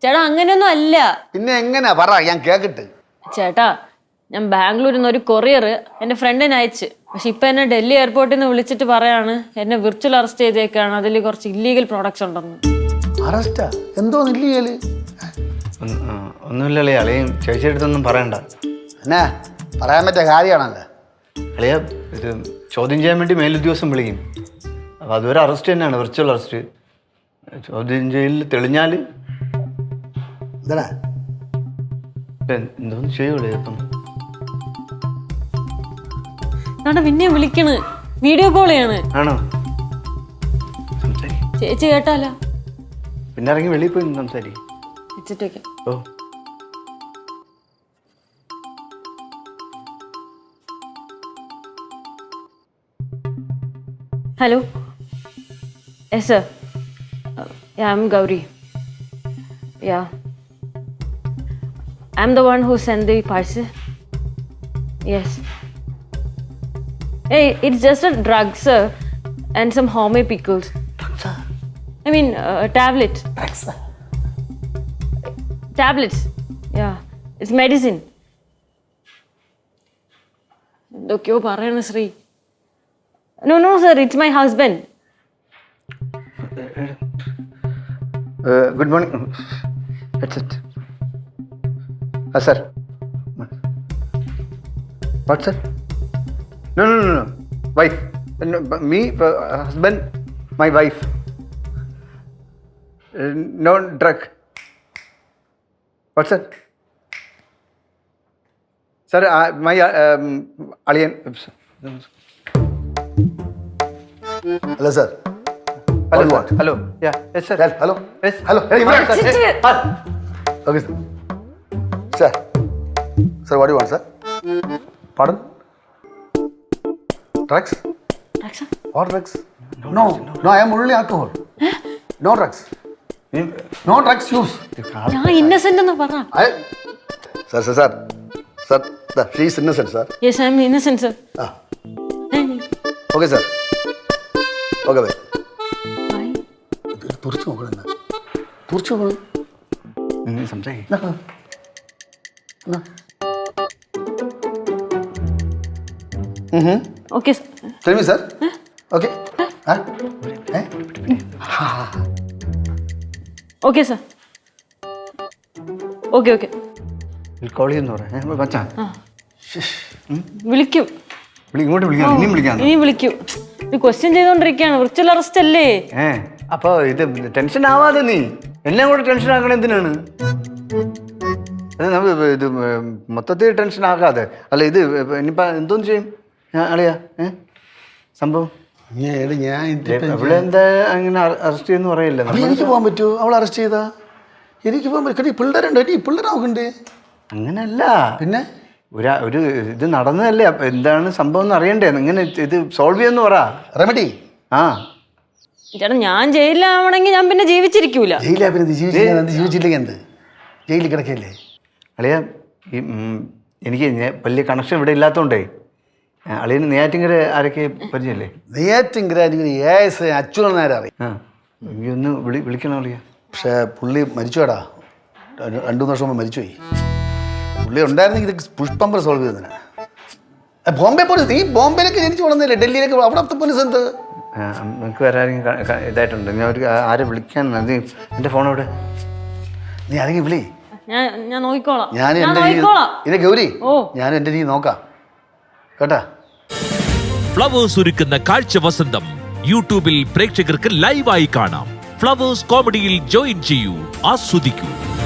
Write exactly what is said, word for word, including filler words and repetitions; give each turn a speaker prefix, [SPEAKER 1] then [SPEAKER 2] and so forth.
[SPEAKER 1] ചേട്ടാ അങ്ങനെയൊന്നും അല്ല.
[SPEAKER 2] പിന്നെ എങ്ങനെയാ പറ, ഞാൻ കേക്കട്ട്.
[SPEAKER 1] ചേട്ടാ ഞാൻ ബാംഗ്ലൂരിൽ നിന്ന് ഒരു കൊറിയർ എൻ്റെ ഫ്രണ്ടിന് അയച്ച്. പക്ഷെ ഇപ്പൊ എന്നെ ഡൽഹി എയർപോർട്ടിൽ നിന്ന് വിളിച്ചിട്ട് പറയാണ് എന്നെ വിർച്വൽ അറസ്റ്റ് ചെയ്തേക്കാണ്, അതിൽ കുറച്ച് ഇല്ലീഗൽ പ്രോഡക്ട്സ് ഉണ്ടെന്ന്.
[SPEAKER 2] അറസ്റ്റാ? എന്തോ ഇല്ലീഗല്?
[SPEAKER 3] ഒന്നുമില്ലല്ലേ അളിയും ചേച്ചിയെടുത്തൊന്നും പറയണ്ട.
[SPEAKER 2] എന്നാ പറയാൻ പറ്റിയ കാര്യമാണല്ലോ
[SPEAKER 3] അളിയ. ഇത് ചോദ്യം ചെയ്യാൻ വേണ്ടി മേലുദ്യോഗസ്ഥൻ വിളിക്കും. അപ്പോൾ അതുവരെ അറസ്റ്റ് തന്നെയാണ്, വിർച്വൽ അറസ്റ്റ്. ചോദ്യം ചെയ്യലിൽ തെളിഞ്ഞാൽ
[SPEAKER 2] എന്താ
[SPEAKER 3] എന്തോന്ന് ചെയ്യുള്ളൂ. ഇപ്പം
[SPEAKER 1] പിന്നെ വിളിക്കണ്, വീഡിയോ കോൾ ചെയ്യാണ്.
[SPEAKER 3] ആണോ? സംസാരിക്കും.
[SPEAKER 1] ചേച്ചി കേട്ടാലോ?
[SPEAKER 3] പിന്നെ ഇറങ്ങി വെളിയിൽ പോയി സംസാരിക്കും.
[SPEAKER 1] വെച്ചിട്ട് വെക്കാം.
[SPEAKER 3] ഓ
[SPEAKER 1] Hello. Yes, sir. Uh, yeah, I'm Gauri. Yeah. I'm the one who sent the parcel. Yes. Hey, it's just a drug, sir, and some homemade pickles.
[SPEAKER 2] Drugs?
[SPEAKER 1] I mean, uh, tablets.
[SPEAKER 2] Drugs?
[SPEAKER 1] Tablets. Yeah. It's medicine. എന്തൊക്കെയോ പറയണ Shri. No, no, sir. It's my husband.
[SPEAKER 3] Uh, good morning. That's it. Ah, sir. What, sir? No, no, no, no. Wife. No, me, uh, husband, my wife. Uh, no drug. What, sir? Sir, uh, my uh, um, alien.
[SPEAKER 2] Hello, sir.
[SPEAKER 3] Hello, what? Hello. Yeah. Yes, sir.
[SPEAKER 2] Yes, hello.
[SPEAKER 3] Yes.
[SPEAKER 2] Hello. Hey,
[SPEAKER 3] Yes, sir.
[SPEAKER 1] Sit
[SPEAKER 3] Yes. Ah.
[SPEAKER 2] Okay, sir. Sir. Sir, what do you want, sir? Pardon? Drugs?
[SPEAKER 1] Raksha?
[SPEAKER 2] What drugs? No, no, no, I am only alcohol. No drugs. No drugs use.
[SPEAKER 1] ഞാൻ ഇന്നസെന്റ് എന്ന് പറ.
[SPEAKER 2] I... Sir, sir, sir. Sir, the, she is innocent, sir.
[SPEAKER 1] Yes, I am innocent, sir.
[SPEAKER 2] Ah. Okay, sir. Okay, bye.
[SPEAKER 1] Bye.
[SPEAKER 2] തുറച്ചു നോക്കണം, തുറച്ചു നോക്കണം.
[SPEAKER 3] നിങ്ങൾ സംസാരിക്കും.
[SPEAKER 1] Okay, sir.
[SPEAKER 2] Tell me, sir. Okay. Huh? Eh?
[SPEAKER 1] Okay, sir. Okay, okay.
[SPEAKER 3] Call ചെയ്യുന്ന പറയാം. മച്ചാ
[SPEAKER 1] വിളിക്കും.
[SPEAKER 3] വിളി, ഇങ്ങോട്ട് വിളിക്കാം. ഇനിയും വിളിക്കാം.
[SPEAKER 1] ഇനി വിളിക്കും. ഇത് ക്വസ്റ്റ്യൻ ചെയ്തോണ്ടിരിക്കുകയാണ്. വിർച്വൽ അറസ്റ്റ് അല്ലേ?
[SPEAKER 3] ഏ അപ്പൊ ഇത് ടെൻഷൻ ആവാതെ നീ എല്ലാം കൂടെ ടെൻഷൻ ആക്കണ എന്തിനാണ്? അത് നമുക്ക് ഇത് മൊത്തത്തിൽ ടെൻഷൻ ആക്കാതെ. അല്ല ഇത് ഇനിയിപ്പോ എന്തോന്ന് ചെയ്യും അളിയാ? ഏ സംഭവം ഇവിടെ എന്താ അങ്ങനെ അറസ്റ്റ് ചെയ്യുന്ന പറയില്ല.
[SPEAKER 2] എനിക്ക് പോകാൻ പറ്റുമോ? അവൾ അറസ്റ്റ് ചെയ്താ എനിക്ക് പോകാൻ പറ്റും. പിള്ളേരുണ്ട്, ഈ പിള്ളേർ നോക്കണ്ടേ?
[SPEAKER 3] അങ്ങനല്ല.
[SPEAKER 2] പിന്നെ
[SPEAKER 3] ഒരു ഒരു ഇത് നടന്നതല്ലേ, അപ്പൊ എന്താണ് സംഭവം എന്ന് അറിയണ്ടേ? ഇങ്ങനെ ഇത് സോൾവ് ചെയ്യുമെന്ന് പറ.
[SPEAKER 2] റെമഡി.
[SPEAKER 1] ആ ചേട്ടാ, ഞാൻ ജയിലിലാവണമെങ്കിൽ ഞാൻ പിന്നെ ജീവിച്ചിരിക്കൂല.
[SPEAKER 2] ജയിലാ പിന്നെ ജീവിച്ചില്ലെങ്കിൽ എന്ത്? ജയിലിൽ കിടക്കല്ലേ
[SPEAKER 3] അളിയ. ഈ എനിക്ക് വലിയ കണക്ഷൻ ഇവിടെ ഇല്ലാത്തതുകൊണ്ടേ അളിയന് നെയ്യാറ്റിങ്കര ആരൊക്കെ പരിചയല്ലേ?
[SPEAKER 2] നെയ്യാറ്റിങ്കര അച്യുതൻ നേരെ അറിയാം.
[SPEAKER 3] ആ എനിക്കൊന്ന് വിളി വിളിക്കണം അളിയ.
[SPEAKER 2] പക്ഷേ പുള്ളി മരിച്ചുവേടാ, രണ്ടു മൂന്ന് വർഷം മുമ്പ് മരിച്ചുപോയി. പുള്ളി ഉണ്ടായിരുന്നെങ്കിൽ ഇത് പുഷ്പമ്പർ സോൾവ് ചെയ്തതിനാ. ബോംബെ പോലീസ്, നീ ബോംബെയിലേക്ക് ജനിച്ചു വളർന്നില്ലേ, ഡൽഹിയിലേക്ക് അവിടുത്തെ പോലീസ് എന്ത്?
[SPEAKER 3] നമുക്ക് വേറെ ആരെങ്കിലും ഇതായിട്ടുണ്ട്. ഞാൻ ഒരു ആരെ വിളിക്കാൻ നീ എൻ്റെ ഫോൺ അവിടെ
[SPEAKER 2] നീ ആരെങ്കിലും വിളി.
[SPEAKER 1] ഞാൻ ഞാൻ നോക്കിക്കോളാം.
[SPEAKER 2] ഞാൻ എൻ്റെ ഇതേ ഗൗരി, ഞാൻ എൻ്റെ രീതി നോക്കാം കേട്ടാ.
[SPEAKER 4] ഫ്ലവേഴ്സ് ഒരുക്കുന്ന കാഴ്ച വസന്തം യൂട്യൂബിൽ പ്രേക്ഷകർക്ക് ലൈവായി കാണാം. ഫ്ലവേഴ്സ് കോമഡിയിൽ ജോയിൻ ചെയ്യൂ, ആസ്വദിക്കൂ.